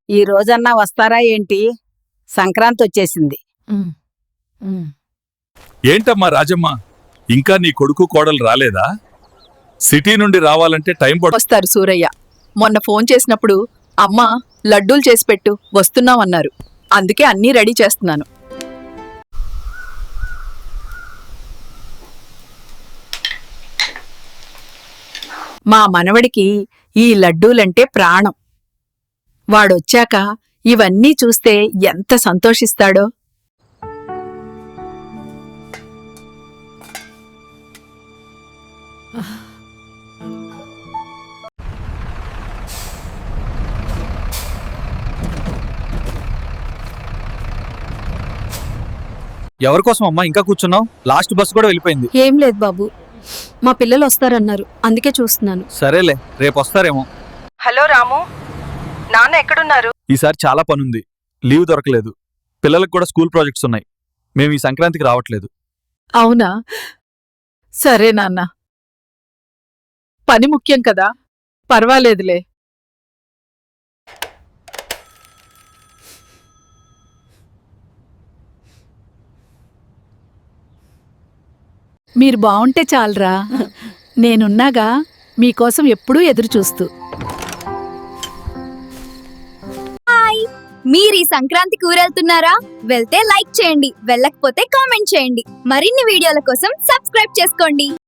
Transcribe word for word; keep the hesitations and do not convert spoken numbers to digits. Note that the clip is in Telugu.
ఈ రోజన్నా వస్తారా ఏంటి? సంక్రాంతి వచ్చేసింది. ఉమ్, ఉమ్. ఏంటమ్మా రాజమ్మ, ఇంకా నీ కొడుకు కోడలు రాలేదా? సిటీ నుండి రావాలంటే టైం పడు. వస్తారు సూరయ్య. మొన్న ఫోన్ చేసినప్పుడు అమ్మ లడ్డూలు చేసి పెట్టు వస్తున్నామన్నారు. అందుకే అన్నీ రెడీ చేస్తున్నాను. మా మనవడికి ఈ లడ్డూలంటే ప్రాణం. వాడొచ్చాక ఇవన్నీ చూస్తే ఎంత సంతోషిస్తాడో. ఎవరికోసం అమ్మా ఇంకా కూర్చున్నావు? లాస్ట్ బస్ కూడా వెళ్ళిపోయింది. ఏం లేదు బాబు, మా పిల్లలు వస్తారన్నారు, అందుకే చూస్తున్నాను. సరేలే, రేపు వస్తారేమో. హలో రాము, నాన్న ఎక్కడున్నారు? ఈసారి చాలా పనుంది, లీవ్ దొరకలేదు. పిల్లలకు కూడా స్కూల్ ప్రాజెక్ట్స్ ఉన్నాయి. మేము ఈ సంక్రాంతికి రావట్లేదు. అవునా? సరే నాన్న, పని ముఖ్యం కదా, పర్వాలేదులే. మీరు బావుంటే చాలరా, నేనున్నాగా మీకోసం ఎప్పుడూ ఎదురుచూస్తూ. మీరు ఈ సంక్రాంతికి ఊరెళ్తున్నారా? వెళ్తే లైక్ చేయండి, వెళ్ళకపోతే కామెంట్ చేయండి. మరిన్ని వీడియోల కోసం సబ్స్క్రైబ్ చేసుకోండి.